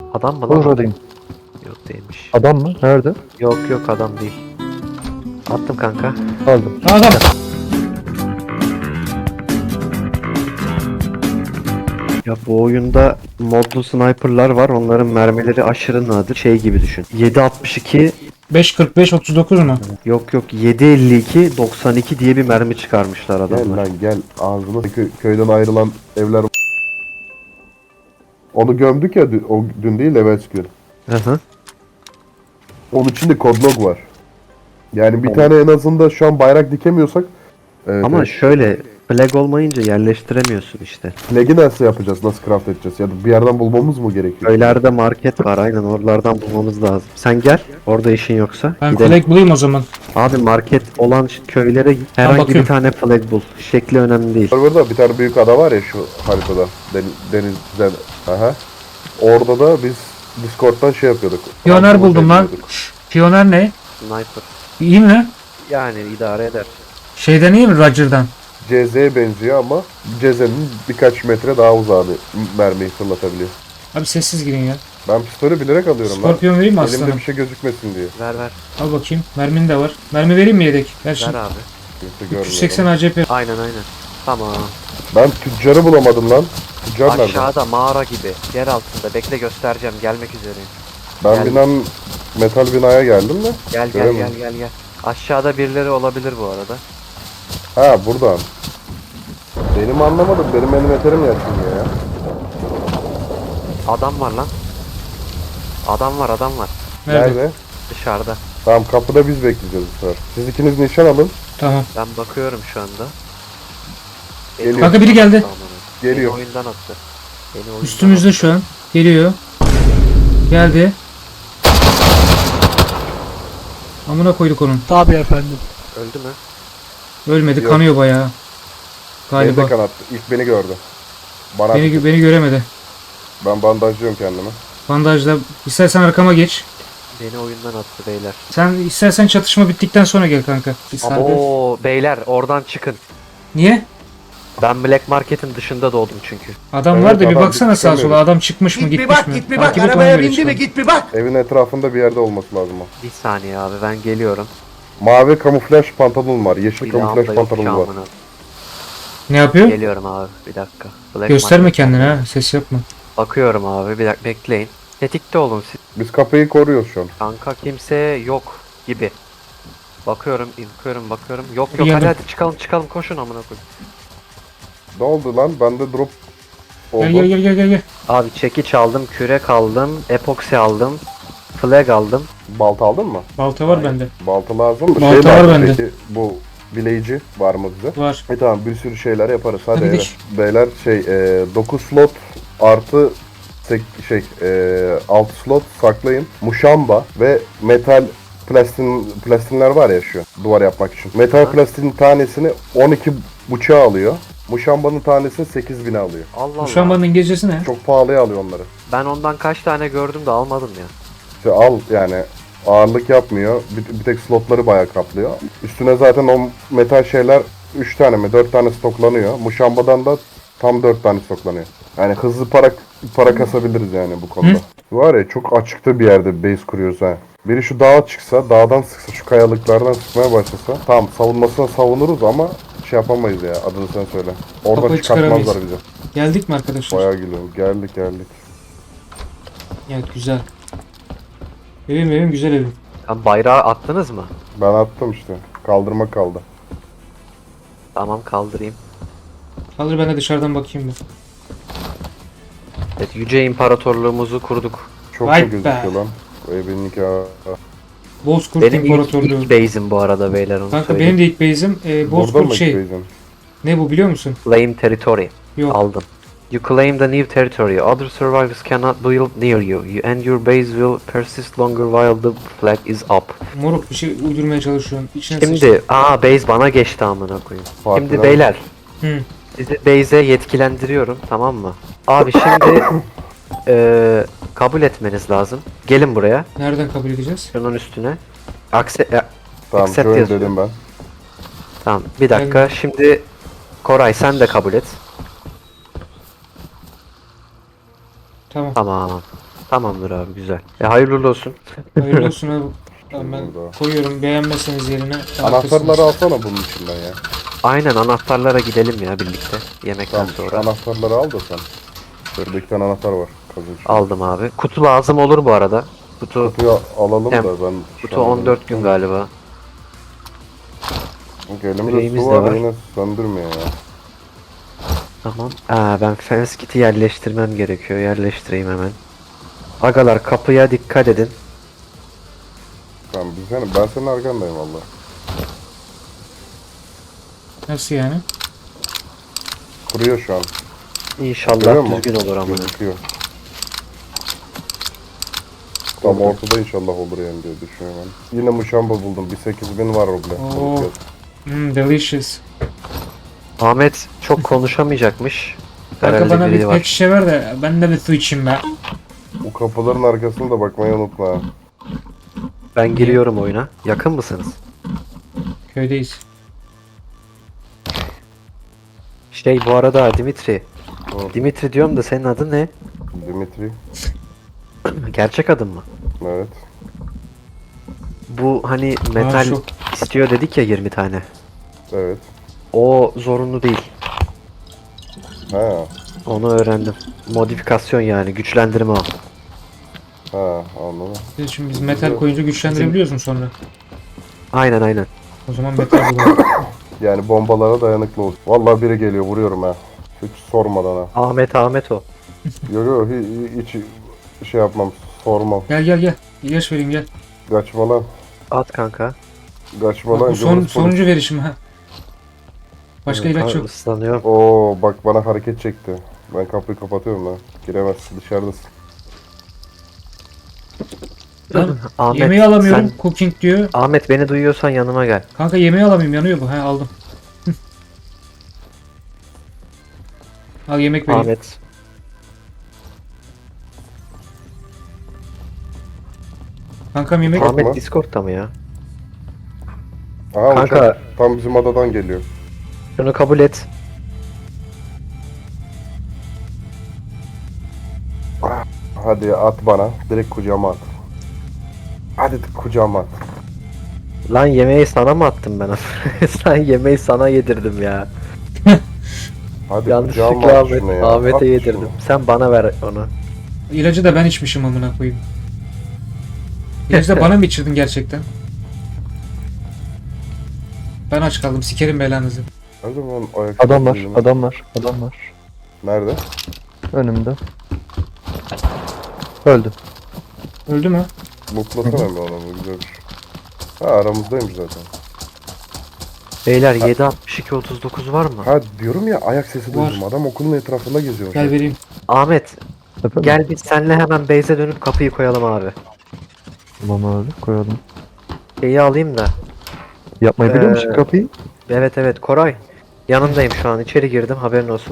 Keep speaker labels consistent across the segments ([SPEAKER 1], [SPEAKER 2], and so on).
[SPEAKER 1] Adam mı lan?
[SPEAKER 2] Buradayım.
[SPEAKER 1] Yok değilmiş.
[SPEAKER 2] Adam mı? Nerede?
[SPEAKER 1] Yok adam değil. Attım kanka.
[SPEAKER 2] Aldım.
[SPEAKER 3] Adam.
[SPEAKER 1] Ya bu oyunda modlu sniperlar var. Onların mermileri aşırı nadir. Şey gibi düşün. 7.62
[SPEAKER 3] 5.45 39 mu?
[SPEAKER 1] yok 7.52 92 diye bir mermi çıkarmışlar
[SPEAKER 4] Gel
[SPEAKER 1] adamlar.
[SPEAKER 4] lan gel ağzına köyden ayrılan evler. Onu gömdük ya o dün değil evvelsi gün.
[SPEAKER 1] Hı hı.
[SPEAKER 4] Onun içinde kodlog var. Yani bir tane en azından şu an bayrak dikemiyorsak
[SPEAKER 1] Ama
[SPEAKER 4] evet.
[SPEAKER 1] şöyle flag olmayınca yerleştiremiyorsun işte.
[SPEAKER 4] Flag'i nasıl yapacağız? Nasıl craft edeceğiz? Ya da bir yerden bulmamız mı gerekiyor?
[SPEAKER 1] Köylerde market var aynen oralardan bulmamız lazım. Sen gel orada işin yoksa.
[SPEAKER 3] Ben
[SPEAKER 1] Gidelim.
[SPEAKER 3] flag bulayım o zaman.
[SPEAKER 1] Abi market olan köylere git. Herhangi bir
[SPEAKER 3] bakıyorum.
[SPEAKER 1] tane flag bul. Şekli önemli değil.
[SPEAKER 4] Burada bir tane büyük ada var ya şu haritada. Denizden. Aha. Orada da biz Discord'dan şey yapıyorduk.
[SPEAKER 3] Piyoner
[SPEAKER 4] Antrenman
[SPEAKER 3] buldum lan.
[SPEAKER 4] yapıyorduk.
[SPEAKER 3] Piyoner ne?
[SPEAKER 1] Sniper.
[SPEAKER 3] İyi mi?
[SPEAKER 1] Yani idare eder.
[SPEAKER 3] Şeyden iyi mi Roger'dan?
[SPEAKER 4] CZ'ye benziyor ama CZ'nin birkaç metre daha uzağını mermiyi fırlatabiliyor.
[SPEAKER 3] Abi sessiz girin ya.
[SPEAKER 4] Ben pistolü bilerek alıyorum lan.
[SPEAKER 3] Skorpiyon vereyim mi
[SPEAKER 4] Elimde
[SPEAKER 3] aslanım?
[SPEAKER 4] bir şey gözükmesin diye.
[SPEAKER 1] Ver.
[SPEAKER 3] Al bakayım. Mermin de var. Mermi vereyim mi yedek? Ver
[SPEAKER 1] Ver
[SPEAKER 3] şimdi.
[SPEAKER 1] abi.
[SPEAKER 4] Kimse görmüyor.
[SPEAKER 3] 380 ACP.
[SPEAKER 1] Aynen. Tamam.
[SPEAKER 4] Ben tüccarı bulamadım lan. Tüccar nerede?
[SPEAKER 1] Aşağıda mağara gibi. Yer altında. Bekle göstereceğim. Gelmek üzereyim.
[SPEAKER 4] Ben
[SPEAKER 1] Geldim.
[SPEAKER 4] metal binaya geldim de.
[SPEAKER 1] Gel.
[SPEAKER 4] Göremedim.
[SPEAKER 1] Aşağıda birileri olabilir bu arada.
[SPEAKER 4] Ha buradan. Benim anlamadım. Benim eterim yakınıyor ya.
[SPEAKER 1] Adam var lan. Adam var.
[SPEAKER 3] Nerede?
[SPEAKER 1] Dışarıda.
[SPEAKER 4] Tamam kapıda biz bekleyeceğiz bu sefer. Siz ikiniz nişan alın.
[SPEAKER 3] Tamam.
[SPEAKER 1] Ben bakıyorum şu anda.
[SPEAKER 4] Geliyor.
[SPEAKER 3] Kanka biri geldi.
[SPEAKER 4] Geliyor.
[SPEAKER 1] Beni oyundan attı.
[SPEAKER 3] Üstümüzde şu an. Geliyor. Geldi. Amına koyduk onun.
[SPEAKER 1] Öldü mü?
[SPEAKER 3] Ölmedi.
[SPEAKER 4] Yok.
[SPEAKER 3] Kanıyor bayağı.
[SPEAKER 4] Beni de
[SPEAKER 3] Galiba.
[SPEAKER 4] kanattı. İlk beni gördü. Bana
[SPEAKER 3] Beni göremedi.
[SPEAKER 4] ben bandajlıyorum kendimi.
[SPEAKER 3] Bandajla. İstersen arkama geç.
[SPEAKER 1] Beni oyundan attı beyler.
[SPEAKER 3] Sen istersen çatışma bittikten sonra gel kanka. Bir sargı.
[SPEAKER 1] Oo beyler oradan çıkın.
[SPEAKER 3] Niye?
[SPEAKER 1] Ben Black Market'in dışında doğdum çünkü.
[SPEAKER 3] Adam
[SPEAKER 4] Evet,
[SPEAKER 3] var da bir
[SPEAKER 4] adam
[SPEAKER 3] baksana sağa
[SPEAKER 4] çıkamıyor.
[SPEAKER 3] sola. Adam çıkmış mı
[SPEAKER 5] Git bir
[SPEAKER 3] gitmiş
[SPEAKER 5] bak,
[SPEAKER 3] mi?
[SPEAKER 5] git bir bak.
[SPEAKER 3] Takip et, ona
[SPEAKER 5] Arabaya
[SPEAKER 3] göre
[SPEAKER 5] bindi
[SPEAKER 3] çıkalım.
[SPEAKER 5] mi? Git bir bak.
[SPEAKER 4] Evin etrafında bir yerde olması lazım o.
[SPEAKER 1] Bir saniye abi ben geliyorum.
[SPEAKER 4] Mavi kamuflaj pantolon var. Yeşil
[SPEAKER 1] Bir
[SPEAKER 4] kamuflaj
[SPEAKER 1] anda yok şu
[SPEAKER 4] pantolon var.
[SPEAKER 1] an bana.
[SPEAKER 3] Ne yapıyor?
[SPEAKER 1] Geliyorum abi bir dakika. Black
[SPEAKER 3] Gösterme
[SPEAKER 1] Market.
[SPEAKER 3] kendini ha. Ses yapma.
[SPEAKER 1] Bakıyorum abi bir dakika bekleyin. Tetikte olun siz.
[SPEAKER 4] Biz kapıyı koruyoruz şu an.
[SPEAKER 1] Kanka kimse yok gibi. Bakıyorum. Yok
[SPEAKER 3] Geldim.
[SPEAKER 1] hadi çıkalım koşun amına koyayım.
[SPEAKER 4] Ne oldu lan? Bende drop oldu.
[SPEAKER 3] Gel.
[SPEAKER 1] Abi çekiç aldım, kürek aldım, epoksi aldım, flag aldım.
[SPEAKER 4] Balta aldın mı?
[SPEAKER 3] Balta var bende.
[SPEAKER 4] Balta lazım mı?
[SPEAKER 3] Balta var
[SPEAKER 4] lazım
[SPEAKER 3] bende.
[SPEAKER 4] peki, bu bileyici var mı bize?
[SPEAKER 3] Var.
[SPEAKER 4] Tamam bir sürü şeyler yaparız. Hadi
[SPEAKER 3] Hadi
[SPEAKER 4] eve.
[SPEAKER 3] gidelim.
[SPEAKER 4] Beyler 9 slot artı 6 slot saklayın. Muşamba ve metal plastinler var ya şu duvar yapmak için. Metal plastinin tanesini 12 buçuğa alıyor. Muşambanın tanesini 8.000'e alıyor.
[SPEAKER 1] Allah
[SPEAKER 3] Şu an
[SPEAKER 1] Allah.
[SPEAKER 3] bana İngilizcesi ne?
[SPEAKER 4] Çok pahalıya alıyor onları.
[SPEAKER 1] Ben ondan kaç tane gördüm de almadım ya.
[SPEAKER 4] İşte al yani ağırlık yapmıyor. Bir tek slotları bayağı kaplıyor. Üstüne zaten o metal şeyler 3 tane mi 4 tane stoklanıyor. Muşambadan da tam 4 tane stoklanıyor. Yani hızlı para kasabiliriz yani bu konuda. Var ya çok açıkta bir yerde base kuruyoruz ha. Biri şu dağa çıksa, dağdan sıksa, şu kayalıklardan sıkmaya başlasa. Tamam savunmasına savunuruz ama şey yapamayız ya adını sen söyle. Oradan
[SPEAKER 3] Kafayı
[SPEAKER 4] çıkartmazlar
[SPEAKER 3] çıkaramayız.
[SPEAKER 4] bizi.
[SPEAKER 3] Geldik mi arkadaşlar?
[SPEAKER 4] Bayağı geliyorum. Geldik.
[SPEAKER 3] Evet güzel. Evim güzel evim.
[SPEAKER 1] Lan bayrağı attınız mı?
[SPEAKER 4] Ben attım işte. Kaldırma kaldı.
[SPEAKER 1] Tamam kaldırayım.
[SPEAKER 3] Kaldır ben de dışarıdan bakayım bir.
[SPEAKER 1] Evet Yüce İmparatorluğumuzu kurduk.
[SPEAKER 4] Çok
[SPEAKER 3] Vay
[SPEAKER 4] da
[SPEAKER 3] be.
[SPEAKER 4] gözüküyor lan. Bu evin
[SPEAKER 3] Bozkurt
[SPEAKER 1] Benim ilk
[SPEAKER 3] İmparatorluğu.
[SPEAKER 1] base'im bu arada beyler onu
[SPEAKER 3] Kanka
[SPEAKER 1] söyleyeyim.
[SPEAKER 3] benim de ilk base'im
[SPEAKER 4] Burada
[SPEAKER 3] Bozkurt
[SPEAKER 4] mı
[SPEAKER 3] şey.
[SPEAKER 4] gideceğim?
[SPEAKER 3] Ne bu biliyor musun?
[SPEAKER 1] Claim territory.
[SPEAKER 3] Yok.
[SPEAKER 1] Aldım. You claim the new territory. Other survivors cannot build near you. And your base will persist longer while the flag is up.
[SPEAKER 3] Moruk bir şey uydurmaya çalışıyorsun. İçine sıçtın.
[SPEAKER 1] Şimdi base bana geçti amına koyayım.
[SPEAKER 4] Farkına
[SPEAKER 1] Şimdi
[SPEAKER 4] bak.
[SPEAKER 1] beyler
[SPEAKER 3] Hı.
[SPEAKER 1] sizi base'e yetkilendiriyorum tamam mı? Abi şimdi kabul etmeniz lazım. Gelin buraya.
[SPEAKER 3] Nereden kabul edeceğiz?
[SPEAKER 1] Şunun üstüne.
[SPEAKER 4] Tamam
[SPEAKER 1] Accept
[SPEAKER 4] şöyle
[SPEAKER 1] yazıyor.
[SPEAKER 4] dedim ben.
[SPEAKER 1] Tamam bir dakika şimdi Koray sen de kabul et.
[SPEAKER 3] Tamam.
[SPEAKER 1] Tamam. Tamamdır abi, güzel. Hayırlı uğurlu olsun.
[SPEAKER 3] Hayırlı olsun abi. Tamam ben
[SPEAKER 4] Burada.
[SPEAKER 3] koyuyorum. Beğenmezseniz yerine.
[SPEAKER 4] Anahtarları alsana bunun içinden ya.
[SPEAKER 1] Aynen, anahtarlara gidelim ya birlikte. Yemekten
[SPEAKER 4] Tamam,
[SPEAKER 1] sonra.
[SPEAKER 4] anahtarları al da sen. Şurada 2 tane anahtar var. Kazın içinde.
[SPEAKER 1] Aldım abi. Kutu lazım olur bu arada. Kutu
[SPEAKER 4] Kutuyu alalım
[SPEAKER 1] Hem-
[SPEAKER 4] da ben...
[SPEAKER 1] kutu 14 gün galiba.
[SPEAKER 4] Elimizde
[SPEAKER 1] Yüreğimiz
[SPEAKER 4] su
[SPEAKER 1] de
[SPEAKER 4] var,
[SPEAKER 1] var.
[SPEAKER 4] yine söndürmüyor ya.
[SPEAKER 1] Tamam. Ben fence kit'i yerleştirmem gerekiyor. Yerleştireyim hemen. Agalar, kapıya dikkat edin.
[SPEAKER 4] Tamam ben senin arkandayım valla.
[SPEAKER 3] Nasıl yani?
[SPEAKER 4] Kuruyor şu an. Görüyor
[SPEAKER 1] İnşallah
[SPEAKER 4] musun?
[SPEAKER 1] düzgün olur ama.
[SPEAKER 4] Gözüküyor. Tam ortada inşallah olur yani diye düşünüyorum ben. Yine muşamba buldum. Bir 8000 var ruble.
[SPEAKER 3] Oo. Delicious.
[SPEAKER 1] Ahmet çok konuşamayacakmış.
[SPEAKER 3] Kanka
[SPEAKER 1] Herhalde
[SPEAKER 3] bana
[SPEAKER 1] biri
[SPEAKER 3] bir
[SPEAKER 1] var.
[SPEAKER 3] pet şişe ver de ben de bir su içeyim be.
[SPEAKER 4] Bu kapıların arkasını da bakmayı unutma. ha.
[SPEAKER 1] Ben giriyorum oyuna. Yakın mısınız?
[SPEAKER 3] Köydeyiz.
[SPEAKER 1] Bu arada Dimitri.
[SPEAKER 4] Hı.
[SPEAKER 1] Dimitri diyorum da senin adın ne?
[SPEAKER 4] Dimitri.
[SPEAKER 1] Gerçek adın mı?
[SPEAKER 4] Evet.
[SPEAKER 1] Bu hani metal
[SPEAKER 3] şu.
[SPEAKER 1] istiyor dedik ya 20 tane.
[SPEAKER 4] Evet.
[SPEAKER 1] O zorunlu değil.
[SPEAKER 4] Ha.
[SPEAKER 1] Onu öğrendim. Modifikasyon yani, güçlendirme o.
[SPEAKER 4] Ha anladım.
[SPEAKER 3] Şimdi biz metal koyunca güçlendirebiliyoruz mu sonra?
[SPEAKER 1] Aynen.
[SPEAKER 3] O zaman metal bulalım.
[SPEAKER 4] Yani bombalara dayanıklı ol. Vallahi biri geliyor vuruyorum ha. Hiç sormadan ha.
[SPEAKER 1] Ahmet o.
[SPEAKER 4] Yok hiç şey yapmam. Sormam.
[SPEAKER 3] Gel. İlaç vereyim gel.
[SPEAKER 4] Kaçma lan.
[SPEAKER 1] At kanka.
[SPEAKER 4] Kaçma
[SPEAKER 3] Bak,
[SPEAKER 4] lan.
[SPEAKER 3] bu sonuncu verişim ha. Başka ilaç yok.
[SPEAKER 1] Islanıyor.
[SPEAKER 4] Oo bak bana hareket çekti. Ben kapıyı kapatıyorum lan. Giremezsin dışarıdasın.
[SPEAKER 3] Lan,
[SPEAKER 1] Ahmet,
[SPEAKER 3] yemeği alamıyorum.
[SPEAKER 1] sen-
[SPEAKER 3] Cooking diyor.
[SPEAKER 1] Ahmet, beni duyuyorsan yanıma gel.
[SPEAKER 3] Kanka yemeği alamıyorum yanıyor bu. He aldım. Al yemek vereyim.
[SPEAKER 1] Ahmet.
[SPEAKER 3] Kankam yemek.
[SPEAKER 4] Tamam.
[SPEAKER 1] Ahmet Discord'ta mı ya?
[SPEAKER 4] Aha
[SPEAKER 1] Kanka-
[SPEAKER 4] uçak tam bizim adadan geliyor.
[SPEAKER 1] Şunu kabul et.
[SPEAKER 4] Hadi at bana. Direkt kucağıma at. Hadi kucağıma at.
[SPEAKER 1] Lan yemeği sana mı attım ben? Sen yemeği sana yedirdim ya.
[SPEAKER 4] Hadi kucağıma
[SPEAKER 1] Yanlışlıkla
[SPEAKER 4] at şunu ya.
[SPEAKER 1] Ahmet'e
[SPEAKER 4] At
[SPEAKER 1] yedirdim.
[SPEAKER 4] şunu.
[SPEAKER 1] Sen bana ver onu.
[SPEAKER 3] İlacı da ben içmişim amına koyayım. İlacı da bana mı içirdin gerçekten? Ben aç kaldım. Sikerim belanızı.
[SPEAKER 4] O zaman ayak
[SPEAKER 2] Adam var,
[SPEAKER 4] sesini-
[SPEAKER 2] adam var, adam var.
[SPEAKER 4] Nerede?
[SPEAKER 2] Önümde. Öldü.
[SPEAKER 3] Öldü mü?
[SPEAKER 4] Mutlasana bir adamı güzelmiş. Ha aramızdaymış zaten.
[SPEAKER 1] Beyler 76239 var mı?
[SPEAKER 4] Ha diyorum ya ayak sesi
[SPEAKER 3] Var.
[SPEAKER 4] duydum. Adam okulun etrafında geziyor.
[SPEAKER 3] Gel vereyim.
[SPEAKER 1] Ahmet,
[SPEAKER 2] Efendim?
[SPEAKER 1] gel biz senle hemen base'e dönüp kapıyı koyalım abi.
[SPEAKER 2] Tamam abi, koyalım.
[SPEAKER 1] Şeyi alayım da.
[SPEAKER 2] Yapmayı biliyor musun
[SPEAKER 1] Ee,
[SPEAKER 2] kapıyı?
[SPEAKER 1] Evet Koray. Yanındayım şu an, içeri girdim, haberin olsun.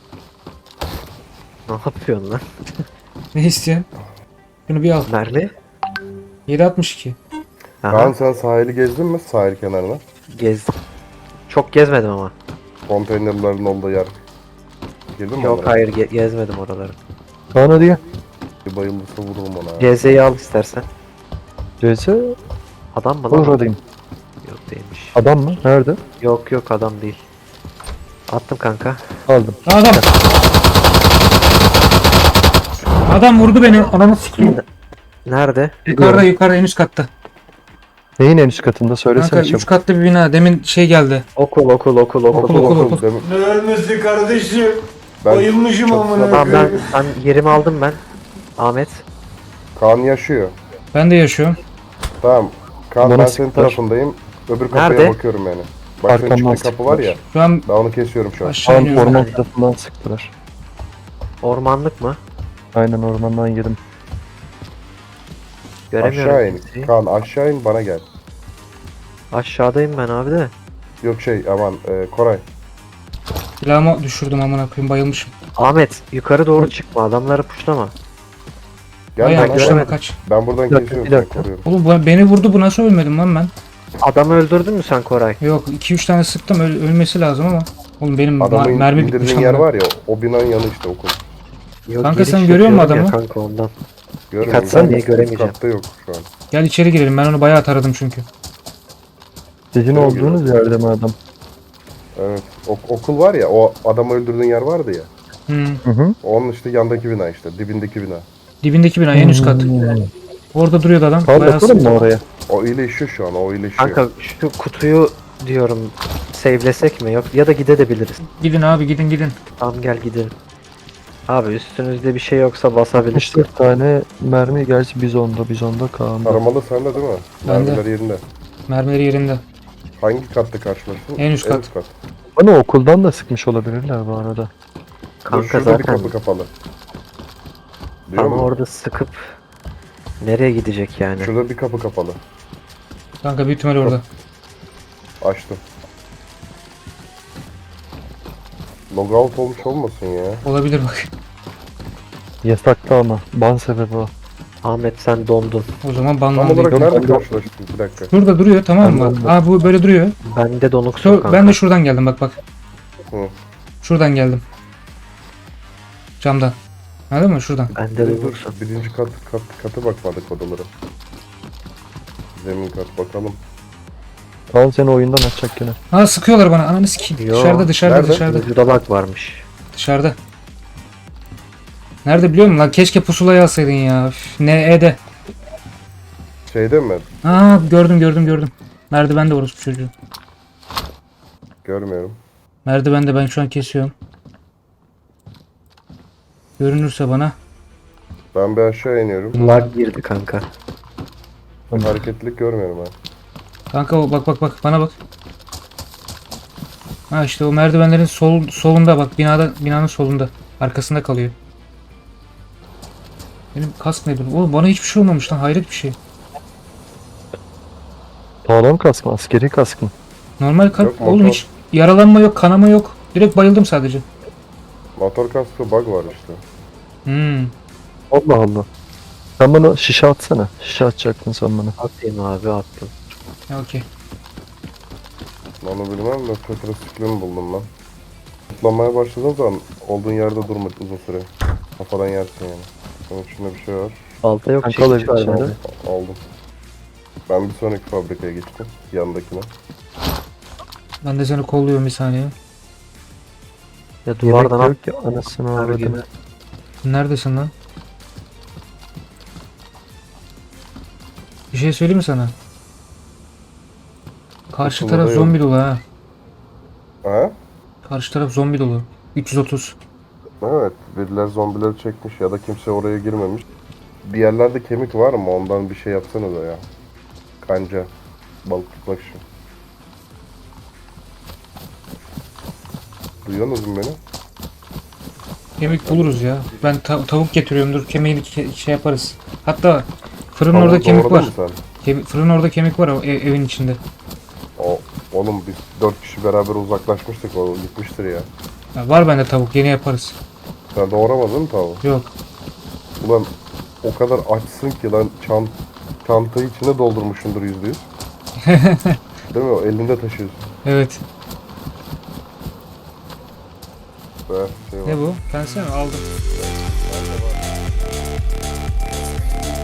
[SPEAKER 1] Ne yapıyorsun lan?
[SPEAKER 3] Ne istiyorsun? Şunu bir al.
[SPEAKER 1] Mermi?
[SPEAKER 3] 7.62.
[SPEAKER 1] Aha,
[SPEAKER 4] Kaan sen sahili gezdin mi? Sahil kenarına.
[SPEAKER 1] gezdim. Çok gezmedim ama.
[SPEAKER 4] Konteynerlerin olduğu yer. Girdin mi
[SPEAKER 1] Yok
[SPEAKER 4] onlara?
[SPEAKER 1] hayır, gezmedim oraları.
[SPEAKER 2] Kaan hadi gel.
[SPEAKER 4] Bir bayılırsa vururum ona. ha.
[SPEAKER 1] CZ'yi al istersen.
[SPEAKER 2] CS
[SPEAKER 1] Adam mı lan?
[SPEAKER 2] oradayım.
[SPEAKER 1] Yok değilmiş.
[SPEAKER 2] Adam mı? Nerede?
[SPEAKER 1] Yok adam değil. Attım kanka.
[SPEAKER 2] Aldım.
[SPEAKER 3] Adam. Adam vurdu beni. Ananı sikeyim.
[SPEAKER 1] Nerede?
[SPEAKER 3] Yukarıda en üst katta.
[SPEAKER 2] Neyin en üst katında söylesene
[SPEAKER 3] Kanka 3
[SPEAKER 2] çabuk.
[SPEAKER 3] katlı bir bina. Demin şey geldi.
[SPEAKER 1] Okul.
[SPEAKER 3] Okul.
[SPEAKER 4] Demin-
[SPEAKER 5] Ne ölmesi kardeşim?
[SPEAKER 4] Ben
[SPEAKER 5] Bayılmışım
[SPEAKER 4] çok-
[SPEAKER 5] amına
[SPEAKER 1] Tamam
[SPEAKER 5] koyayım.
[SPEAKER 1] ben yerimi aldım ben. Ahmet.
[SPEAKER 4] Kaan yaşıyor.
[SPEAKER 3] Ben de yaşıyorum.
[SPEAKER 4] Tamam. Kaan
[SPEAKER 2] Bana
[SPEAKER 4] ben senin
[SPEAKER 2] sıktılar.
[SPEAKER 4] tarafındayım. Öbür kapıya
[SPEAKER 1] Nerede?
[SPEAKER 4] bakıyorum yani. Bak senin
[SPEAKER 2] Arkamdan
[SPEAKER 4] çıktığın kapı var ya.
[SPEAKER 2] sıktılar.
[SPEAKER 3] Şu an
[SPEAKER 4] Ben onu kesiyorum şu an.
[SPEAKER 3] aşağı
[SPEAKER 2] Kaan
[SPEAKER 3] iniyorum.
[SPEAKER 2] orman tarafından sıktılar.
[SPEAKER 1] Ormanlık mı?
[SPEAKER 2] Aynen ormandan yedim.
[SPEAKER 1] Göremiyorum
[SPEAKER 4] Aşağı in.
[SPEAKER 1] kimseyi.
[SPEAKER 4] Kaan aşağı in bana gel.
[SPEAKER 1] Aşağıdayım ben abi de.
[SPEAKER 4] Yok aman Koray.
[SPEAKER 3] Silahımı düşürdüm amına koyayım. Bayılmışım.
[SPEAKER 1] Ahmet yukarı doğru çıkma, adamları puşlama.
[SPEAKER 4] Gel
[SPEAKER 3] Bayağı
[SPEAKER 4] bana.
[SPEAKER 3] kuşlama kaç.
[SPEAKER 4] Ben buradan
[SPEAKER 2] Bir dakika,
[SPEAKER 4] kesiyorum
[SPEAKER 2] bir
[SPEAKER 4] seni
[SPEAKER 2] dakika.
[SPEAKER 4] koruyorum.
[SPEAKER 3] Oğlum beni vurdu, bu nasıl ölmedim lan ben?
[SPEAKER 1] Adamı öldürdün mü sen Koray?
[SPEAKER 3] Yok 2-3 tane sıktım, ölmesi lazım ama. Oğlum benim
[SPEAKER 4] Adamın
[SPEAKER 3] mermi bitmiş
[SPEAKER 4] indirdiğin yer
[SPEAKER 3] amına.
[SPEAKER 4] var ya o binanın yanı işte okul.
[SPEAKER 1] Yok,
[SPEAKER 3] Kanka
[SPEAKER 1] giriş
[SPEAKER 3] sen görüyor musun
[SPEAKER 1] yapıyorum ya
[SPEAKER 3] adamı?
[SPEAKER 1] Kanka ondan.
[SPEAKER 4] Görmüyorum.
[SPEAKER 1] katsan diye
[SPEAKER 4] Üst
[SPEAKER 1] göremeyeceğim.
[SPEAKER 4] katta yok şu an.
[SPEAKER 3] Gel içeri girelim. Ben onu bayağı taradım çünkü.
[SPEAKER 2] Sizin
[SPEAKER 4] Yok,
[SPEAKER 2] olduğunuz
[SPEAKER 4] yok.
[SPEAKER 2] yerde mi adam?
[SPEAKER 4] Evet. Okul var ya, o adamı öldürdüğün yer vardı ya.
[SPEAKER 3] Hmm.
[SPEAKER 2] Hı hı.
[SPEAKER 4] Onun işte yandaki bina işte, dibindeki bina.
[SPEAKER 3] Dibindeki bina en üst kat. Orada duruyordu adam.
[SPEAKER 2] Kal
[SPEAKER 3] Bayağı
[SPEAKER 2] bakalım mı
[SPEAKER 3] sıktı.
[SPEAKER 2] oraya?
[SPEAKER 4] O iyileşiyor şu an, o iyileşiyor.
[SPEAKER 1] Kanka şu kutuyu diyorum save'lesek mi yok ya da gidebiliriz.
[SPEAKER 3] Gidin abi gidin.
[SPEAKER 1] Tamam gel gidelim. Abi üstünüzde bir şey yoksa basabiliriz.
[SPEAKER 2] 64 tane mermi gerçi bizonda Kaan'da.
[SPEAKER 4] Taramalı sende değil mi?
[SPEAKER 3] Bende.
[SPEAKER 4] Mermiler yerinde.
[SPEAKER 3] Mermileri yerinde.
[SPEAKER 4] Hangi katta karşılaştın?
[SPEAKER 3] En üst kat.
[SPEAKER 2] Bana okuldan da sıkmış olabilirler bu arada.
[SPEAKER 4] Dur,
[SPEAKER 1] Kanka
[SPEAKER 4] şurada bir
[SPEAKER 1] zaten
[SPEAKER 4] kapı kapalı. Duyuyor
[SPEAKER 1] ama
[SPEAKER 4] musun?
[SPEAKER 1] orada sıkıp nereye gidecek yani?
[SPEAKER 4] Şurada bir kapı kapalı.
[SPEAKER 3] Kanka büyük ihtimal orada.
[SPEAKER 4] Açtım. Logout olmuş olmasın ya.
[SPEAKER 3] Olabilir bak.
[SPEAKER 2] Yasaklı ama. Ban sebebi o.
[SPEAKER 1] Ahmet sen dondun.
[SPEAKER 3] O zaman
[SPEAKER 4] Tam
[SPEAKER 3] banlandı.
[SPEAKER 4] olarak
[SPEAKER 2] Yok,
[SPEAKER 4] nerede
[SPEAKER 2] ben de-
[SPEAKER 4] karşılaştık? Bir dakika.
[SPEAKER 3] Şurada duruyor tamam mı?
[SPEAKER 2] Ben de-
[SPEAKER 3] Aa bu böyle duruyor.
[SPEAKER 1] Bende donuksun kanka.
[SPEAKER 3] Ben de şuradan geldim bak.
[SPEAKER 4] Hı.
[SPEAKER 3] Şuradan geldim. Camdan. Anladın mı? Şuradan.
[SPEAKER 1] Bende
[SPEAKER 4] Dur,
[SPEAKER 1] donuksun.
[SPEAKER 4] birinci katı bakmadık odalara. Zemin kat bakalım.
[SPEAKER 2] Kaan seni oyundan atacak gene.
[SPEAKER 3] Aa sıkıyorlar bana. Ananı sikeyim.
[SPEAKER 1] Yo,
[SPEAKER 3] Dışarıda
[SPEAKER 4] nerede?
[SPEAKER 3] dışarıda.
[SPEAKER 1] Vücuda lag varmış.
[SPEAKER 3] Dışarıda. Nerede biliyor musun lan? Keşke pusulayı alsaydın ya. Üf, Ne'de.
[SPEAKER 4] Şeyde mi?
[SPEAKER 3] Aa gördüm. Merdivende orospu çocuğu.
[SPEAKER 4] Görmüyorum.
[SPEAKER 3] Merdivende ben şu an kesiyorum. Görünürse bana.
[SPEAKER 4] Ben bir aşağı iniyorum.
[SPEAKER 1] Lag girdi kanka.
[SPEAKER 4] Hareketlilik görmüyorum ben.
[SPEAKER 3] Kanka bak bana bak. Ha işte o merdivenlerin solunda bak binanın solunda. Arkasında kalıyor. Benim kask ne durum? Oğlum bana hiçbir şey olmamış lan hayret bir şey.
[SPEAKER 2] Sağlam kask mı? Askeri kask mı?
[SPEAKER 3] Normal kalp
[SPEAKER 4] Yok,
[SPEAKER 3] oğlum
[SPEAKER 4] motor.
[SPEAKER 3] hiç yaralanma yok kanama yok. Direkt bayıldım sadece.
[SPEAKER 4] Motor kaskı bug var işte.
[SPEAKER 3] Hmm.
[SPEAKER 2] Allah Allah. Sen bana şişe atsana. Şişe atacaktın sen bana.
[SPEAKER 1] Atayım abi attım.
[SPEAKER 3] Ya okey.
[SPEAKER 4] Onu bilmem de tetrasiklini buldum ben. Tutlanmaya başladığın zaman olduğun yerde durma uzun süre. Kafadan yersin yani. Bunun içinde bir şey var.
[SPEAKER 1] Balta yok
[SPEAKER 2] Kanka
[SPEAKER 1] çekiç
[SPEAKER 2] alabilir
[SPEAKER 1] var
[SPEAKER 2] şimdi.
[SPEAKER 1] bende.
[SPEAKER 4] Aldım. Ben bir sonraki fabrikaya geçtim. Yandakine.
[SPEAKER 3] Ben de seni kolluyorum bir saniye.
[SPEAKER 1] Ya
[SPEAKER 2] Yemek
[SPEAKER 1] duvardan at.
[SPEAKER 2] yok ya anasını
[SPEAKER 1] Her
[SPEAKER 2] avradını.
[SPEAKER 1] gün.
[SPEAKER 3] Neredesin lan? Bir şey söyleyeyim mi sana? Karşı
[SPEAKER 4] Okulda
[SPEAKER 3] taraf
[SPEAKER 4] yok.
[SPEAKER 3] zombi dolu ha.
[SPEAKER 4] Ha?
[SPEAKER 3] Karşı taraf zombi dolu. 330.
[SPEAKER 4] Evet. Biriler zombileri çekmiş ya da kimse oraya girmemiş. Bir yerlerde kemik var mı? Ondan bir şey yapsana da ya. Kanca. Balık tutmak için. Duyuyorsunuz mu beni?
[SPEAKER 3] Kemik buluruz ya. Ben tavuk getiriyorum dur kemiğini şey yaparız. Hatta fırının
[SPEAKER 4] Tavuğu
[SPEAKER 3] orada kemik
[SPEAKER 4] doğradın
[SPEAKER 3] var.
[SPEAKER 4] mı sen?
[SPEAKER 3] Fırının orada kemik var evin içinde.
[SPEAKER 4] Oğlum biz 4 kişi beraber uzaklaşmıştık, o gitmiştir ya.
[SPEAKER 3] Ya var bende tavuk yeni yaparız.
[SPEAKER 4] Sen doğramadın mı tavuğu?
[SPEAKER 3] Yok.
[SPEAKER 4] Ulan o kadar açsın ki lan çantayı içine doldurmuşsundur %100. Değil mi? O elinde taşıyorsun.
[SPEAKER 3] Evet.
[SPEAKER 4] Be, şey var.
[SPEAKER 3] Ne bu? Pense mi? Aldım.